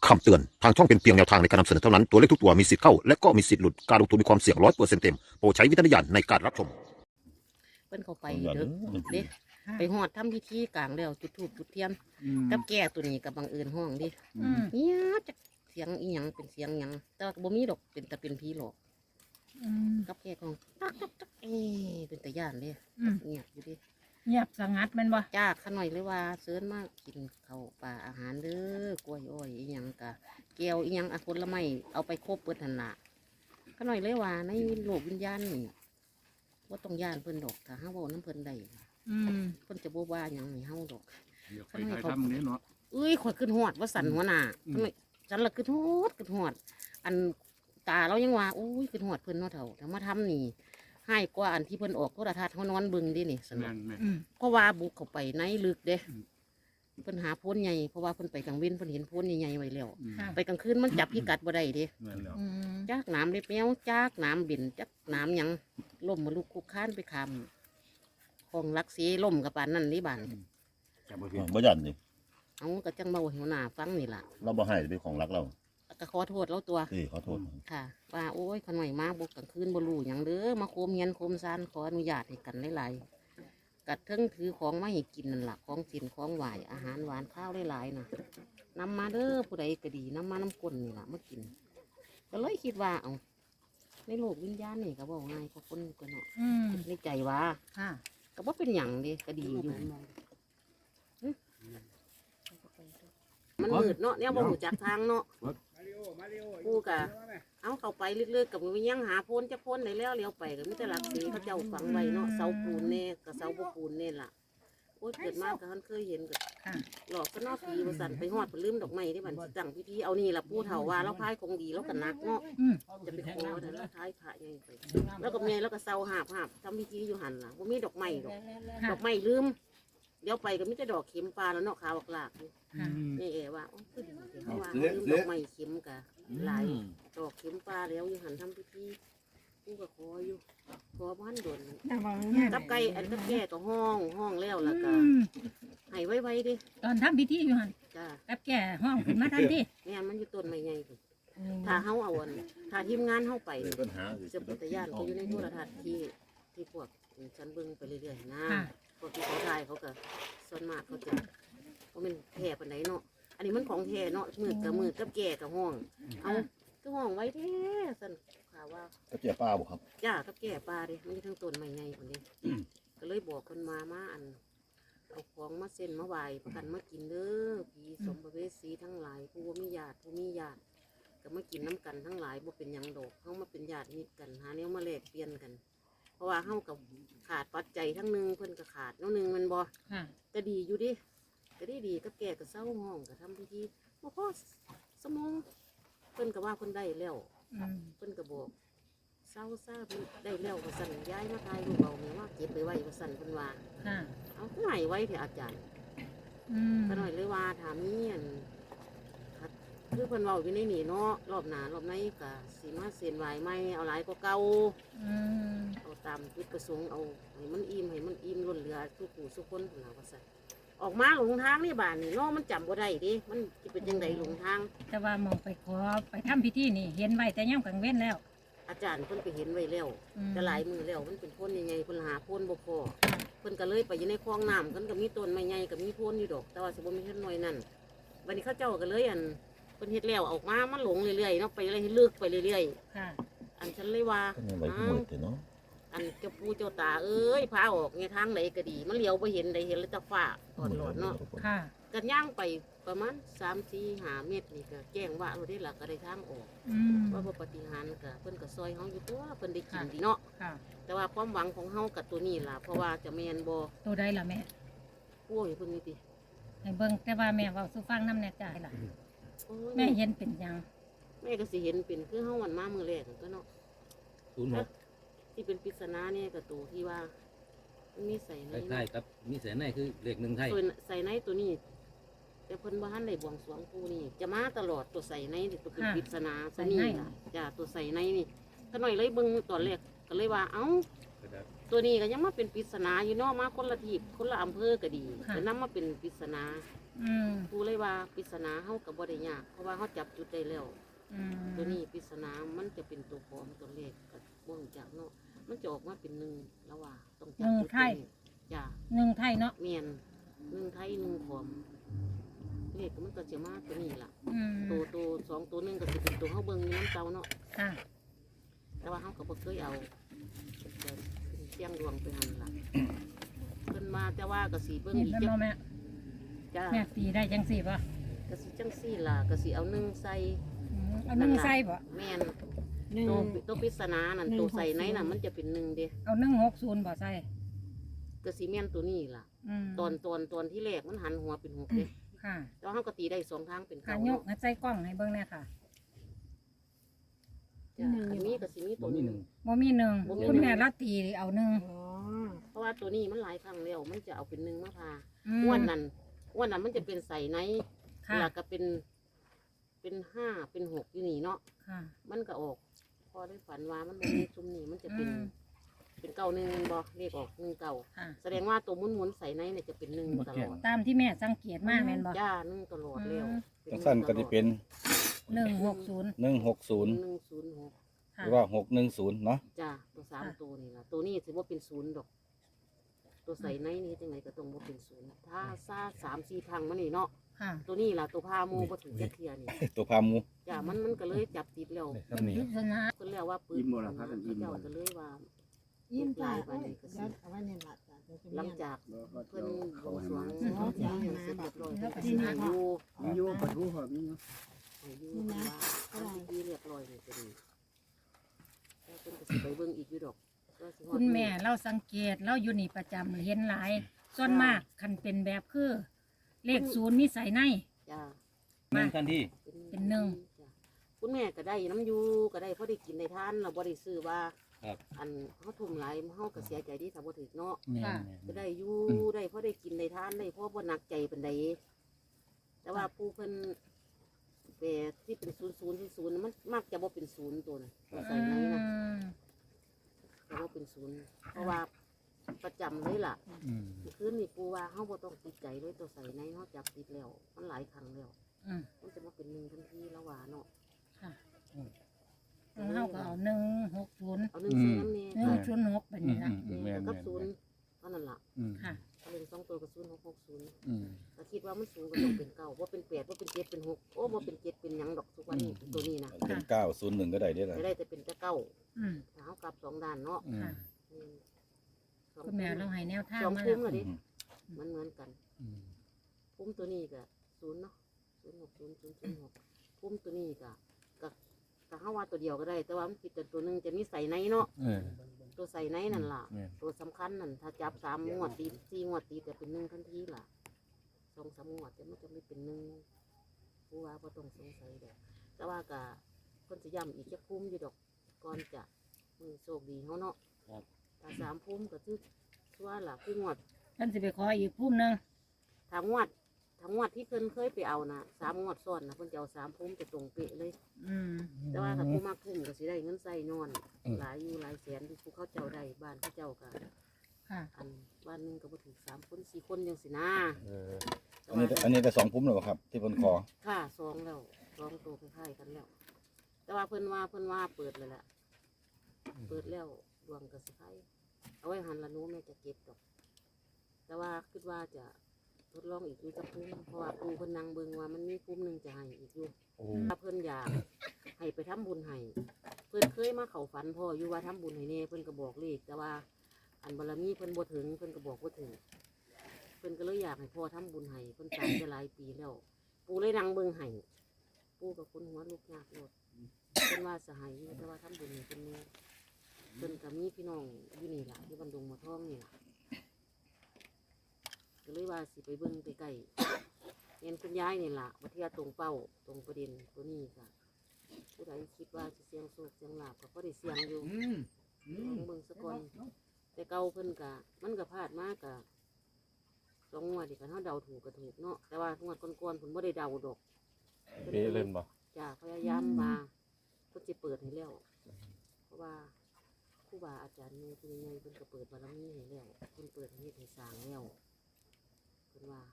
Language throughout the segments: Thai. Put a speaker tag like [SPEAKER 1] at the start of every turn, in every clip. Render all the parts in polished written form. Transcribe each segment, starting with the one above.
[SPEAKER 1] คำเตือนทางช่องเป็นเพียงแนวทางในการนำเสนอเท่านั้นตัวเลขทุกตัวมีสิทธิ์เข้าและก็มีสิทธิ์หลุดการลงทุนมีความเสี่ยง100%เต็มโปรดใช้วิจารณญาณในการรับชม
[SPEAKER 2] เพิ่นเข้าไปเด้อเด้ไปฮอดทำพิธีกลางแล้วจุดธูปจุดเทียนกับแก่ตัวนี้กับบังเอิญห้องดิเนี่ยจักเสียงอีหยังเป็นเสียงหยังแต่ว่าบ่มีดอกเป็นแต่เป็นผีหลอกกับแก่ของตักตักตักเป็นตาย่านเด้เงียบอยู่ดิ
[SPEAKER 3] เงียบสงัดแมันบ่
[SPEAKER 2] จ้าขะหน่อยเลยว่าเชิญมากินข้าวปลาอาหารเด้อกล้วยอ้อยอีหยังกะแก้วอีหยังผลไม้เอาไปครบเปิดหันละขะหน่อยเลยว่าในโลกวิญญาณนี่ว่าต้องย่านเพิ่นดอกถ้าเฮาเว้าน้ำเพิ่นได้เพิ่นจะบ่ว่าหยังให้เฮาดอก
[SPEAKER 4] ไปทำนี้เนาะ
[SPEAKER 2] ข่อยขึ้นฮอดว่าสั่นหัวหน้าฉันละขึ้นฮอดอันตาเรายังว่าขึ้นฮอดเพิ่นเนาะเฒ่าแต่มาทำนี่ให้กว่าอันที่เพิ่นออกโทรทัศน์เฮานอนเบิ่งดินี่สนุกเพราะว่าบุกเข้าไปในลึกเด้เพิ่นหาโพนใหญ่เพราะว่าเพิ่นไปกลางเว้นเพิ่นเห็นโพนใหญ่ๆไว้แล้วไปกลางคืนมันจับพิกัดบ่ได้เด้จักน้ำเล็บแมวจักน้ำบินจักน้ำหยังล่มมาลูกคุกค้านไปคำของรักสีล่มกับปานนั่นนี่บาน
[SPEAKER 5] บ่ยันนี่
[SPEAKER 2] เอากระจังเบาหัวหน้าฟังนี่ล่ะ
[SPEAKER 5] เราบ่ให้เป็นของรักเรา
[SPEAKER 2] ก็ขอโทษแล้วตัว
[SPEAKER 5] ขอโทษ
[SPEAKER 2] ค่ะว่าขน่อยมาบุกกลางคืนบ่รู้หยังเด้อมาโคมเงียนโคมซานขออนุญาตให้กันหลายๆกัดทั้งถือของมาให้กินนั่นล่ะของสินของไหวอาหารหวานข้าวหลายๆนะนำมาเด้อผู้ใดก็ดีนำมาน้ำก้นนี่ล่ะมากินก็เลยคิดว่าเอาในโลกวิญญาณนี่ก็บอกง่ายก็คนก็เนาะในใจว่าก็ว่าเป็นหยังเด้ก็ดีอยู่มันมืดเนาะเนี่ยบ่หูจักทางเนาะกูกะเอาเข้าไปลึกๆกับมันยังหาโพนจะโพนได้แล้วเลี้ยวไปก็มีแต่หลักสีเขาเจ้าฝังไว้เนาะเสาปูนเน่กับเสาปูนเน่ล่ะเกิดมากก็ท่านเคยเห็นกับหลอกก็นอกผีประสันไปหอดไปลืมดอกไม้ที่มันสั่งพิธีเอานี่ล่ะผู้เฒ่าว่าเราพายคงดีแล้วกันนักเนาะจะไปขอแต่แล้วท้ายพระยังไปแล้วก็เมียแล้วก็เสาหาบทำพิธีอยู่หันล่ะว่ามีดอกไม้ดอกไม้ลืมเดี๋ยวไปก็มิจะดอกเข็มปลาแล้วเนาะขาวหลากนี่ว่าคือดีเขาว่าลืมดอกไม้เข็มกะหลายดอกเข็มปลาแล้วอยู่หันทำพิธีกูก็ขออยู่ขอบ้านโดนกับไก่อันกับแก่ก็ห้องแล้วล่ะก็ให้ไว้ดิ
[SPEAKER 3] ตอนทำพิธีอยู่หัน
[SPEAKER 2] จ้า
[SPEAKER 3] กับแก่ห้องขึ้นมาทันที
[SPEAKER 2] แม่มันอยู่ต้นไม้ใหญ่ถ้าเฮาเอาถ้าทีมงานเฮาไปจะเป็นตะย่านก็อยู่ในโทรทัศน์ที่พวกฉันเบิ่งไปเรื่อยๆนะพวกที่เขาถ่ายเขาก็ส่วนมากเขาจะว่ามันแท่ปานไหนเนาะอันนี้มันของแท่เนาะมือกับแก่กับห้องเอาก็ห้องไว้แท้สั่นข่าวว่า
[SPEAKER 5] กับแก่ป้าบ่ครับ
[SPEAKER 2] จ้ากับแก่ปลาดิมันทั้งต้นไม้ใหญ่คนนี้ก็เลยบอกคนมาอันเอาของมาเส้นมาไหวประกันมากินเด้อผีสมภเวสีทั้งหลายผู้มีญาติก็มากินน้ำกันทั้งหลายบ่เป็นยังดอกเขามาเป็นญาติมิตรกันหาแนวมาแลกเปลี่ยนกันเพราะว่าเฮากับขาดปัจจัยทั้งนึงเพิ่นก็ขาดนึงมันบ่ก็ดีอยู่ดิก็ดีกับแก่กับเศร้าห้องก็ทำพิธีบ่พอสมองเพิ่นก็ว่าเพิ่นได้แล้วเพิ่นก็บอกเศร้าซ่าเพิ่นได้แล้วว่าสั่นย้ายมาทายลูกเอาเนี่ยว่าเก็บไปไว้ว่าสั่นเพิ่นว่าเอาไหนไว้เถอะอาจารย์ก็หน่อยเลยว่าถามนี่คือเพิ่นเว้าอยู่ในนี่เนาะรอบหน้ารอบในก็สิมาเส้นไหวใหม่เอาหลายกว่าเก่าเอาตามจุดประสงค์เอาให้มันอิ่มล้นเหลือทุกผู้ทุกคนพุ่นล่ะว่าซั่นออกมาหลงทางนี่บ้านนี่เนาะมันจำบ่ได้ดิมันสิเป็นจังได๋หลงทาง
[SPEAKER 3] แต่ว่ามองไปขอไปทำพิธีนี่เห็นไว้แต่ย่ำกลางเว้นแล้ว
[SPEAKER 2] อาจารย์เพิ่นไปเห็นไว้แล้วแต่หลายมือแล้วมันเป็นพ่นใหญ่ๆเพิ่นหาพ่นบ่พอเพิ่นก็เลยไปอยู่ในคลองน้ำเพิ่นก็มีต้นไม้ใหญ่ก็มีพ่นอยู่ดอกแต่ว่าสิบ่มีต้นน้อยนั่นวันนี้เขาเจ้าก็เลยเพิ่นเฮ็ดแล้วออกมามันหลงเรื่อยๆเนาะไปเลยให้ลึกไปเรื่อยๆอันฉันเลยว่าอันเจ้าปู่เจ้าตาเอ้ยพาออกไงทางไหนก็ดีมันเลี้ยวไปเห็นได้เห็นแล้วจะฟ้าตอนหลอดเนาะกันย่างไปประมาณ3-4-5 เมตรนี่ก็แจ้งว่าเราได้หลักก็ได้ทางออกว่าปฏิหารก็เพิ่นก็ซอยเฮาอยู่ตัวเพิ่นได้กินดีเนาะแต่ว่าความหวังของเฮากับตัวนี้ล่ะเพราะว่าจะแม่นบ่
[SPEAKER 3] ตัวใดล่ะแม่
[SPEAKER 2] โอ้ยเพิ่นนี่ติ
[SPEAKER 3] ให้เบิ่งแต่ว่าแม่เว้าสู่ฟังนำแน่ใจล่ะแม่เห็นเป็นยัง
[SPEAKER 2] แม่ก็สิเห็นเป็นคือเฮาวันมามื้อแรกก็เนาะที่เป็นปริศนาเนี่ยกับตัวที่ว่ามีใส่ใน
[SPEAKER 4] ใช่ครับมีใส่ในคือเลข1ไทย
[SPEAKER 2] ใส่ในตัวนี้แต่เพิ่นบ่ทันได้บวงสรวงปู่นี่จะมาตลอดตัวใส่ในตัวเป็นปริศนาตัวนี้จ้ะตัวใส่ในนี่ก็หน่อยเลยเบิ่งตอนแรกก็เลยว่าเอ้าตัว ตัวนี้ก็ยังมาเป็นปริศนาอยู่เนาะมาคนละทีคนละอำเภอก็ดีแต่นำมาเป็นปริศนาปูเลยว่าปริศนาเฮากับบ่ได้ยากเพราะว่าเฮาจับจุดได้แล้วตัวนี้ปริศนามันจะเป็นตัวปลอมตัวเลขก็บ่รู้จักเนาะมันจะออกมาเป็น1แล้วว่าต้องจับจุดไทยจ้ะ
[SPEAKER 3] 1ไทยเนาะ
[SPEAKER 2] แม่น1ไทย1ขอมเลขมันก็จะมาตัวนี้ล่ะ ตัว2ตัว1ก็สิเป็นตัวเฮาเบิ่งอยู่น้ำเจ้าเนาะ
[SPEAKER 3] ค่ะ
[SPEAKER 2] แต่ว่าเฮาก็บ่เคยเอาแต่เป็นเสียงดวงไปหั่นล่ะเพิ่นมาแต่ว่าก็สิเบิ่ง
[SPEAKER 3] นี่
[SPEAKER 2] อีก
[SPEAKER 3] เป็น
[SPEAKER 2] จั
[SPEAKER 3] บ่
[SPEAKER 2] ก
[SPEAKER 3] แม่
[SPEAKER 2] จ้า
[SPEAKER 3] แม่ตีได้จังสี่ป่ะ
[SPEAKER 2] ก็สิจังซี่ล่ะก็สิเอา1ใส่
[SPEAKER 3] เอา1ใส่บ่
[SPEAKER 2] แม่นตัวปริศนานั่นตัวใส่ในน่ะมันจะเป็น1เด้
[SPEAKER 3] เอา160บ่ใส่
[SPEAKER 2] ก็สิแม่นตัวนี้ล่ะ ตอนที่แรกมันหันหัวเป็น6เด้
[SPEAKER 3] ค่ะ
[SPEAKER 2] แต่ว่าเฮาก็ตีได้2ทางเป็น
[SPEAKER 3] ค่ะ
[SPEAKER 2] เก้าย
[SPEAKER 3] กให้ใส่กล้องให้เบิ่งแน่ค่ะ
[SPEAKER 2] จ้ะอันนี้ก็สิมีตัว
[SPEAKER 4] บ่มี
[SPEAKER 2] หนึง
[SPEAKER 3] บ่มีหนึ่ง
[SPEAKER 2] บ่มี
[SPEAKER 3] คุณแม่ละตีเอาหนึ่ง
[SPEAKER 2] เพราะว่าตัวนี้มันหลายครั้งแล้วมันจะเอาเป็น1มาพา
[SPEAKER 3] อืม
[SPEAKER 2] อ้วนนั้นมันจะเป็นใส่ใน
[SPEAKER 3] ค่ะ
[SPEAKER 2] แล้วก็เป็น5เป็น6อยู่นี่เนาะ
[SPEAKER 3] ค่ะ
[SPEAKER 2] มันก็ออก พอได้ฝันว่ามันบ่มีซุมนี่มันจะเป็น
[SPEAKER 3] อืม
[SPEAKER 2] เป็นเก่าหนึ่งบ่เลขออก1เก่า
[SPEAKER 3] ค่ะ
[SPEAKER 2] แสดงว่าตัวหมุนๆใส่ในเนี่ยจะเป็น1ตลอด
[SPEAKER 3] ตามที่แม่สังเกตมาแม่นบ่
[SPEAKER 2] จ้า1ตลอดแล้ว
[SPEAKER 5] จังสั้นก็จะเป็น
[SPEAKER 3] 160
[SPEAKER 5] 160
[SPEAKER 2] 106
[SPEAKER 5] หรือว่า610เนาะ
[SPEAKER 2] จ้าตัว3ตัวนี่ล่ะตัวนี้ถือว่าเป็น0ดอก ตัวใส่ในนี่จังไดก็ต้องบ่เป็น0ถ้าซ่า3-4พังมันนี่เนาะ
[SPEAKER 3] ค่ะ
[SPEAKER 2] ตัวนี้ล่ะตัวพาหมูบ่ถึงจะเทียนี่
[SPEAKER 5] ตัวพาหมู
[SPEAKER 2] จ้ามันก็เลยจับติดแล้ว
[SPEAKER 3] เป็นปริศนา
[SPEAKER 2] เพิ่นแล้วว่าปืน
[SPEAKER 4] อิ่มบ่ล่ะครับท่านอิ่มบ่
[SPEAKER 2] เจ้าก็เลยว่า
[SPEAKER 6] ยิ้มจ้า
[SPEAKER 2] ลายไปนี่ก็สิ
[SPEAKER 6] เอาไว้ในหลักจ้ะ
[SPEAKER 2] หลังจากเพิ่นบวงสรวง
[SPEAKER 6] อืม
[SPEAKER 2] เขาจะให้เสร็จเรียบร้อยเพิ่นก็สิให้อยู่
[SPEAKER 4] มีอยู่ปะทูครับมีอยู่
[SPEAKER 2] ให้อยู่เพิ่นว่าทำพิธีเรียบร้อยนี่ก็ดีแล้วเพิ่นก็สิไปเบิ่งอีกอยู่ดอกก็สิฮอด
[SPEAKER 3] คุณแม่เราสังเกตเราอยู่นี่ประจำเห็นหลาย ส่วนมากคันเป็นแบบคือ เลข0มีใส่ใน
[SPEAKER 2] จ้า
[SPEAKER 4] หนึ่งทันที
[SPEAKER 3] เป็นหนึ่ง
[SPEAKER 2] จ้ะคุณแม่ก็ได้น้ำอยู่ก็ได้พอได้กินได้ทานเราบ่ได้ซื้อว่า
[SPEAKER 4] ครับ
[SPEAKER 2] อันเฮาทุ่มหลายเฮาก็เสียใจที่ถ้าบ่ถึกเนาะ
[SPEAKER 3] ค่ะ
[SPEAKER 2] ก็ได้อยู่ได้พอได้กินได้ทานได้เพราะบ่หนักใจปานใดแต่ว่าผู้เพิ่นแต่ที่เป็น00มันมักจะบ่เป็น0ตัวน่ะตัวใส่ในนะจะบ่เป็น0เพราะว่าประจำเลยล่ะคืนนี้ปูว่าเฮาบ่ต้องติดใจเลยตัวใส่ในเฮาจับติดแล้วมันหลายครั้งแล้ว
[SPEAKER 3] อืม
[SPEAKER 2] มันจะมาเป็น1ทันทีแล้วว่าเนาะ
[SPEAKER 3] ค่ะเฮาก็เอา160
[SPEAKER 2] เอา1ซื้อน้ำแน่
[SPEAKER 3] 106แบบนี้ละ
[SPEAKER 2] แม่กับ0เท่านั้นล่ะ
[SPEAKER 3] ค่ะ
[SPEAKER 2] เอาเลข2ตัวกับ0660 ก็คิดว่ามันสูงก็ต้องเป็น9ว่าเป็น8ว่าเป็น7เป็น6โอ้บ่เป็น7เป็นหยังดอกทุกวันนี้ตัวนี้นะ
[SPEAKER 5] เป็น901ก็ได้เด้อล่ะ
[SPEAKER 2] จะได้แต่เป็นแต่เก้า
[SPEAKER 3] อืม
[SPEAKER 2] ถ้าเฮากลับ2ด้านเนาะ
[SPEAKER 3] ค่ะ
[SPEAKER 2] อืม
[SPEAKER 3] คุณแม่เราให้แนวทาง
[SPEAKER 2] สอง
[SPEAKER 3] มา
[SPEAKER 2] พุ่
[SPEAKER 3] แล้ว
[SPEAKER 2] มเลยดิมันเหมือนกันพุ่มตัวนี้ก็0เนาะ060006พุ่มตัวนี้ก็เฮาว่าตัวเดียวก็ได้ แต่ว่ามันผิดแต่ตัวหนึงจะมีใส่ในเนาะตัวใส่ในนั่นล่ะ ตัวสำคัญนั่นถ้าจับ3งวดติด4งวดติดจะเป็น1ทันทีล่ะ2-3งวดแต่มันจะไม่เป็น1ผู้ว่าบ่ต้องสงสัยดอกแต่ว่าก็เพิ่นสิย้ำอีกจักพุ่มอยู่ดอกก่อนจะมือโชคดีเฮาเนาะ
[SPEAKER 4] ครับ
[SPEAKER 2] ถ้า3พุ่มก็คือว่าล่ะคืองวด
[SPEAKER 3] ท่านสิไปขออีกพุ่มหนึง
[SPEAKER 2] ถ้างวดที่เพิ่นเคยไปเอานะ3งวดซ้อนนะเพิ่นจะเอา3พุ่มจะตรงเป๊ะเลย
[SPEAKER 3] อืม
[SPEAKER 2] แต่ว่าถ้าผู้มักพุ่มก็สิได้เงินใส่นอน หลายอยู่หลายแสนที่ผู้เขาเจ้าได้บ้านเขาเจ้าก็
[SPEAKER 3] ค่ะ
[SPEAKER 2] อันบ้านหนึงก็บ่ถึง3คน4คนจังสินะแต่
[SPEAKER 5] อันนี้ได้2พุ่มแล้วบ่ครับ ที่เพิ่นขอ
[SPEAKER 2] ค่ะ2แล้ว2ตัวคล้ายๆกันแล้ว แต่ว่าเพิ่นว่าเปิดเลยแหละเปิดแล้วดวงก็สิไผเอาไว้หันละหนูแม่จะเก็บดอก แต่ว่าคิดว่าจะทดลองอีกอยู่จะพุ่มเพราะว่าปูเพิ่นนั่งเบิ่งว่ามันมีพุ่มหนึงจะให้อีกอยู่ถ้าเพิ่นอยากให้ไปทำบุญให้เพิ่นเคยมาเข้าฝันพ่ออยู่ว่าทำบุญให้แน่เพิ่นก็บอกเลขแต่ว่าอันบารมีเพิ่นบ่ถึงเพิ่นก็บอกบ่ถึงเพิ่นก็เลยอยากให้พ่อทำบุญให้เพิ่นตายไปหลายปีแล้ว ปูเลยนั่งเบิ่งให้ปูกับคนหัวลูกยากโลดเพิ่นว่าสหายอยู่แต่ว่าทำบุญให้เพิ่นแน่เพิ่นก็มีพี่น้องอยู่นี่ล่ะที่บันดงมาท่องนี่ล่ะ ก็เลยว่าสิไปเบิ่งใกล้ๆเห็นคุณยายนี่ล่ะว่าเที่ยตรงเป้าตรงประเด็นตัวนี้ค่ะผู้ใดคิดว่าจะเสียงโศกเสียงลาบก็บ่ได้เสียงอยู่ลองเบิ่งซะก่อนแต่เก่าเพิ่นกะมันก็พลาดมากกะ2 งวดนี่กันเฮาเดาถูกก็ถูกเนาะแต่ว่างวดก่อนๆเพิ่นบ่ได้เดาดอก
[SPEAKER 5] เป๊ะเล่นบ่
[SPEAKER 2] จ้าพยายามมาเพิ่นสิเปิดให้แล้วเพราะว่าครูบาอาจารย์นี่เพิ่นใหญ่เพิ่นก็เปิดบารมีให้แล้วเพิ่นเปิดให้เฮ็ดให้สร้างแล้ว เพิ่นว่า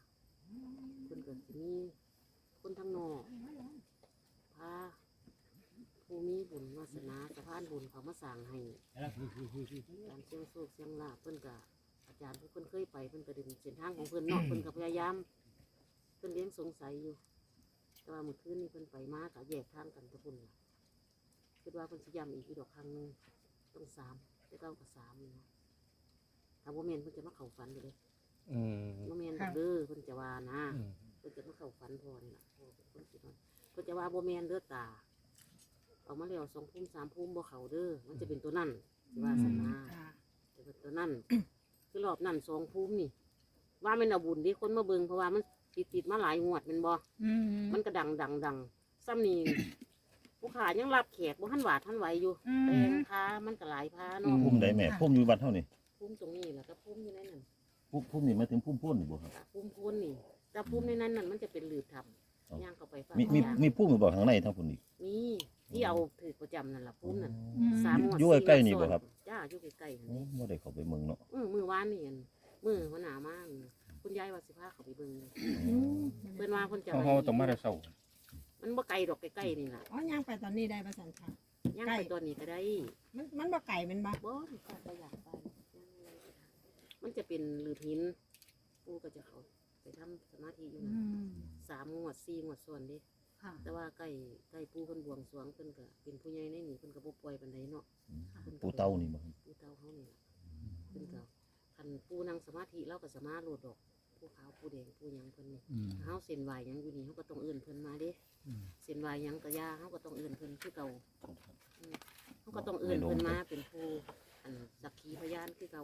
[SPEAKER 2] เพิ่นก็สิมีคนทางนอกพาผู้มีบุญวาสนาสะพานบุญเขามาสร้างให้การเสี่ยงโชคเสี่ยงลาภเพิ่นก็อาจารย์เพิ่นเคยไปเพิ่นก็ดึงเส้นทางของเพิ่นเนาะเพิ่นก็พยายามเพิ่นเลี้ยงสงสัยอยู่แต่ว่าเมื่อคืนนี้เพิ่นไปมาก็แยกทางกันตะพุ่นล่ะคิดว่าเพิ่นสิย้ำอีกดอกครั้งหนึงต้อง3แต่เก้ากับ3นี่เนาะถ้าบ่แม่นเพิ่นจะมาเข้าฝันอยู่เด้
[SPEAKER 5] อืม
[SPEAKER 2] บ่แม่นดอกเด้อเพิ่นจะว่านะเพิ่นจะมาเข้าฝันพ่อนี่ล่ะพ่อเป็นคนสิว่าเพิ่นจะว่าบ่แม่นเด้อตาเอามาแล้ว2 ภูมิ 3 ภูมิบ่เข้าเด้อมันจะเป็นตัวนั้นสิว่าซั่นนะ
[SPEAKER 3] ค่ะ
[SPEAKER 2] จะเป็นตัวนั้น คือรอบนั้น2 ภูมินี่ ว่าแม่นเอาบุญที่คนมาเบิ่งเพราะว่ามันติดมาหลายงวดแม่นบ่
[SPEAKER 3] อืม
[SPEAKER 2] มันก็ดังซ้ำนี่ ผู้ขายังรับแขกบ่ทันหวาดทันไหวอยู่
[SPEAKER 3] อืม
[SPEAKER 2] แต่งพามันก็หลายพาเนาะ
[SPEAKER 5] พุ่มใดแม่พุ่มอยู่วัดเท่านี่
[SPEAKER 2] ภูมิตรงนี้แหละก็ภูมิอยู่ในนั้น
[SPEAKER 5] พุ่มนี่มาถึงพุ่มพุ่นนี่บ่ครับ
[SPEAKER 2] ภูมิโคนนี่แต่ภูมิในนั้นนั่นมันจะเป็นหลืบทับ
[SPEAKER 5] อ๋อ
[SPEAKER 2] ย่างเข้าไปฟ้า
[SPEAKER 5] มีพุ่มอยู่บ่ข้างในทั้งพุ่นอีก
[SPEAKER 2] มีที่เอาถือประจำนั่นล่ะภูมินั่น
[SPEAKER 3] อืม
[SPEAKER 2] 3 งวด
[SPEAKER 5] อยู่ใกล้ๆนี่บ่ครับ
[SPEAKER 2] จ้าอยู่ใกล้ๆนั่น
[SPEAKER 5] โอ้
[SPEAKER 2] นี่
[SPEAKER 5] บ่ได้เข้าไปเมืองเนาะ
[SPEAKER 2] มื้อวานนี่อั่นมื้อหัวหน้ามากคุณยายว่าสิพาเขาไปเบิ่งเลย
[SPEAKER 6] อืม
[SPEAKER 2] เพิ่นว่าเพิ่นจะ
[SPEAKER 5] เฮาต้องมาแต่เช้า
[SPEAKER 2] มันบ่ไกลดอกใกล้ๆนี่ล่ะ
[SPEAKER 6] อ๋อย่างไปตอนนี้ได้ประสันค่ะ
[SPEAKER 2] ย่าง
[SPEAKER 6] ใกล้
[SPEAKER 2] ไปตัวนี้ก็ได้
[SPEAKER 6] มันบ่ไก่มันบ่
[SPEAKER 2] บ่ไปอยากไปมันจะเป็นหลืบหินปู่ก็จะเขาไปทำสมาธิอยู่
[SPEAKER 3] อื
[SPEAKER 2] นั่น
[SPEAKER 3] ม
[SPEAKER 2] 3 งวด 4 งวดส่วนเด้
[SPEAKER 3] ค่ะ
[SPEAKER 2] แต่ว่าใกล้ปู่เพิ่นบวงสรวงเพิ่นก็เป็นผู้ใหญ่ในนี่เพิ่นก็บ่ปล่อยปานใดเนาะ
[SPEAKER 5] ปูเต้านี่บ่ครับ
[SPEAKER 2] ปู่เต้าเฮานี่ล่ะเพิ่นก็คันปู่นั่งสมาธิเราก็สามารถโลดดอกผู้ขาวผู้แดงผู้หยังเพิ่นนี่เฮาเส้นไหวหยังอยู่นี่เฮาก็ต้องเอิ้นเพิ่นมาเด้เส้นไหวหยังก็ย่าเฮาก็ต้องเอิ้นเพิ่นคือเก่าเฮาก็ต้องเอิ้นเพิ่นมาเป็นผู้อันสักขีพยานคือเก่า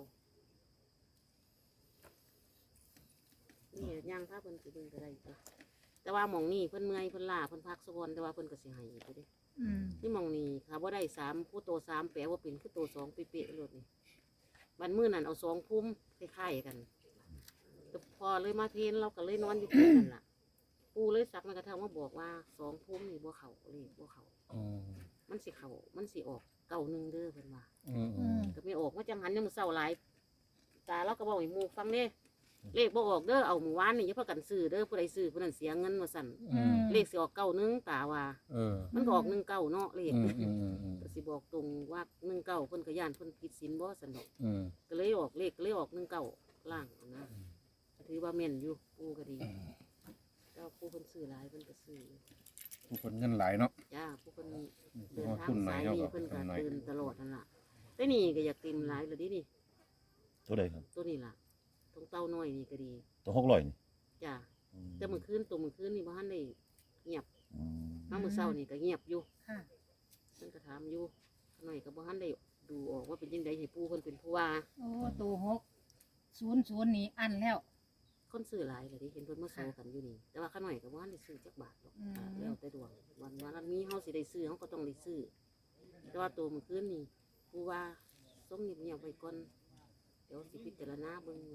[SPEAKER 2] นี่ย่างพาเพิ่นสิเบิ่งก็ได้จ้ะแต่ว่าหม่องนี้เพิ่นเมื่อยเพิ่นล้าเพิ่นพักซะก่อนแต่ว่าเพิ่นก็สิให้อีกอยู่เด้
[SPEAKER 3] อืม
[SPEAKER 2] นี่หมองนี่ค่ะว่าได้3ผู้โต3แปลว่าเป็นคือโต2เป๊ะๆเลยนี่บันมื้อนั้นเอา2พุ่มคล้ายๆกันแต่พอเลยมาเพลนเราก็เลยนอนอยู่ที่นั่นล่ะปู่เลยสักมากระทั่งมาบอกว่า2พุ่มนี่บ่เข้าเลขบ่เข้ามันสิเข้ามันสิออก91เด้อเพิ่นว่า
[SPEAKER 3] อืม
[SPEAKER 2] ก็ไม่ออกว่าจังหันยังมื้อเช้าหลายตาเราก็บอกให้หมู่ฟังเด้เลขบ่ออกเด้อเอามื้อวานนี่อย่าพากันซื้อเด้อผู้ใดซื้อผู้นั้นเสียเงินว่าซั่น
[SPEAKER 3] อืม
[SPEAKER 2] เลขสิออก91ตาว่า มันก็ออก19เนาะเลข ก็สิบอกตรงว่า19เพิ่นก็ย่านเพิ่นผิดศีลบ่ซั่นดอกก็เลยออกเลขก็เลยออก19ล่างนะก็ถือว่าแม่นอยู่ปู่ก็ดีแต่ว่าปู่เพิ่นซื้อหลายเพิ่นก็ซื้อ
[SPEAKER 5] ผู้คนเงินหลายเนาะ
[SPEAKER 2] จ้าผู้เพิ่นเดิน
[SPEAKER 5] ว่า
[SPEAKER 2] ทาง
[SPEAKER 5] ทุนหน่อ
[SPEAKER 2] สาย ย
[SPEAKER 5] เนาะ
[SPEAKER 2] นี้
[SPEAKER 5] ครับ
[SPEAKER 2] เพิ่นก็
[SPEAKER 5] ทุนหน่อย
[SPEAKER 2] ตื่นตลอดนั่นล่ะแต่นี่ก็อยากติมหลายเลยดินี่
[SPEAKER 5] ตัวใดครับ
[SPEAKER 2] ตัวนี้ล่ะตรงเต้าน้อยนี่ก็ดี
[SPEAKER 5] ตัว600นี่
[SPEAKER 2] จ้าแต่มื้อคืนนี่บ่ทันได้เงียบ
[SPEAKER 5] อืม
[SPEAKER 2] มามื้อเช้านี่ก็เงียบอยู่
[SPEAKER 3] ค่ะ
[SPEAKER 2] เพิ่นก็ถามอยู่หน่อยก็บ่ทันได้ดูออกว่าเป็นจังไดให้ปู่เพิ่นเป็นผู้ว่า
[SPEAKER 3] โอ้ตัว600นี่อันแล้ว
[SPEAKER 2] คนซื้อหลายเลยดิเห็นเพิ่นมาโซกันอยู่นี่แต่ว่าข้าหน่อยก็ว่าได้ซื้อจักบาทดอก
[SPEAKER 3] อืม
[SPEAKER 2] แล้วแต่ดวงวันมีเฮาสิได้ซื้อเฮาก็ต้องได้ซื้อแต่ว่าตัวมื้อคืนนี่ผู้ว่าส่งเงียบๆไว้ก่อนเดี๋ยวสิพิจารณาเบิ่ง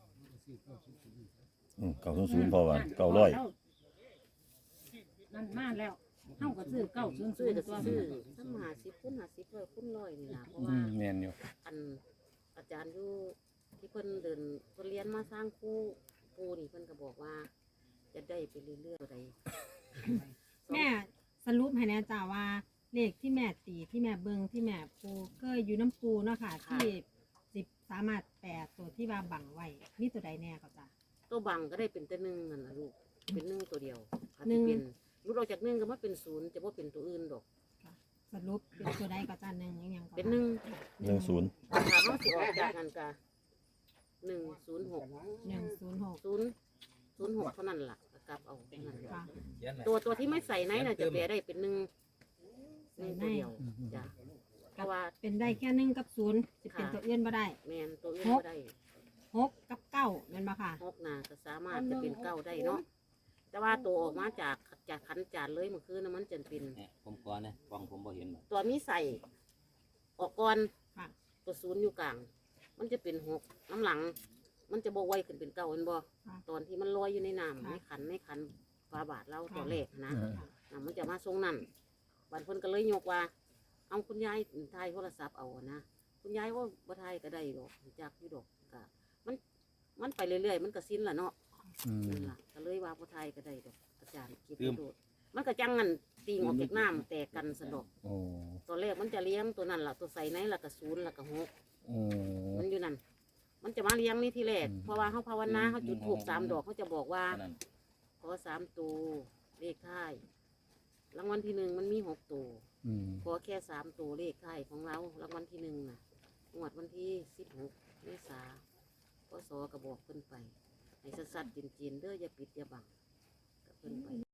[SPEAKER 5] 900พอว่า900
[SPEAKER 3] นั่นมาแล้วเฮาก็ซื้อ900
[SPEAKER 2] ซื้อก็
[SPEAKER 3] ตัว
[SPEAKER 2] สิซื้อซ้ำ50คูณ50ร้อยคูณร้อยนี่ล่ะเพราะว่า
[SPEAKER 5] แม่นอยู่
[SPEAKER 2] อันอาจารย์อยู่ที่เพิ่นเดินเพิ่นเรียนมาสร้างครูนี่เพิ่นก็บอกว่า จะได้ไปเรื่อยๆใด
[SPEAKER 6] แม่สรุปให้แน่จ้าว่าเลขที่แม่ตีที่แม่เบิงที่แม่ปูก็อยู่น้ำปูเนาะค่ะ ที่สิบสามารถแปดตัวที่ว่าบังไว้นี่ตัวใดแน่ก็จ้า
[SPEAKER 2] ตัวบังก็ได้เป็นแต่1นั่นล่ะลูกเป็น1ตัวเดียวอาจ
[SPEAKER 6] หนึ่
[SPEAKER 2] จะ
[SPEAKER 6] ง
[SPEAKER 2] เป็นรุดออกจาก1ก็มาเป็น0จะบ่เป็นตัวอื่นดอก
[SPEAKER 6] สรุปเป็นตัวใดก็จ้าหนึ่งยังก็
[SPEAKER 2] เป็น
[SPEAKER 6] จ้ะ
[SPEAKER 5] 10
[SPEAKER 2] ถ้าเขาสิออกจากกันกะ106
[SPEAKER 6] 106
[SPEAKER 2] เท่านั้นล่ะก็กลับเอาเท่านั้น
[SPEAKER 6] ค่ะ
[SPEAKER 2] ตัวที่ไม่ใส่ในน่ะจะแปลได้เป็น1ตัวเดียวจ้ะเพราะว่า
[SPEAKER 6] เป็นได้แค่1กับ0สิเป็นตัวอื่นบ่ได้
[SPEAKER 2] แมนตัวอื่นก็ได้
[SPEAKER 6] 6กับ9แม่นบ่ค่ะ
[SPEAKER 2] 6น่ะก็สามารถจะเป็น9ได้เนาะแต่ว่าตัวออกมาจากขันจานเลยเมื่อคืนน่ะมันจะเป็น
[SPEAKER 7] เนี่ยผมก่อนนะฟังผมบ่เห็นบ่
[SPEAKER 2] ตัวมีใส่ออกก่อน
[SPEAKER 6] ค่ะ
[SPEAKER 2] ตัว0อยู่กลาง มันจะเป็น6น้ำหลัง มันจะบ่ไวขึ้นเป็น9เห็นบ่
[SPEAKER 6] ค่ะ
[SPEAKER 2] ตอนที่มันลอยอยู่ในน้ำ
[SPEAKER 6] ค่ะ
[SPEAKER 2] ในขันฝาบาทเราตัวแรกนะ
[SPEAKER 6] ค่ะ
[SPEAKER 2] มันจะมาทรงนั่นบันเพิ่นก็เลยยกว่า เอาคุณยายถ่ายโทรศัพท์เอานะคุณยายว่าบ่ถ่ายก็ได้ดอกจากอยู่ดอกก็มันไปเรื่อยๆมันก็สิ้นละเนาะ
[SPEAKER 5] อืม
[SPEAKER 2] นั่นล่ะก็เลยว่าผู้ไทยก็ได้ดอกอาจารย์คิดโดดมันก็จังงันตีงออกจากน้ำแตกกันสนดอก
[SPEAKER 5] โอ้
[SPEAKER 2] ตัวแรกมันจะเลี้ยงตัวนั้นล่ะตัวใส่ในล่ะก็ศูนย์ล่ะก็หก
[SPEAKER 5] โอ้
[SPEAKER 2] มันอยู่นั่นมันจะมาเลี้ยงนี่ทีแรก
[SPEAKER 5] อืม
[SPEAKER 2] เพราะว่าเขาภาวนาเขาจุดถูก3 ดอกเขาจะบอกว่า
[SPEAKER 7] อันนั้น
[SPEAKER 2] ขอ3 ตัวเลขท้ายรางวัลที่ 1มันมี6 ตัว
[SPEAKER 5] อืม
[SPEAKER 2] ขอแค่3 ตัวเลขท้ายของเรารางวัลที่ 1น่ะงวดวันที่16 เมษาพศก็บอกเพิ่นไปให้สัดๆจีนๆเด้ออย่าปิดอย่าบังก็เพิ่นไป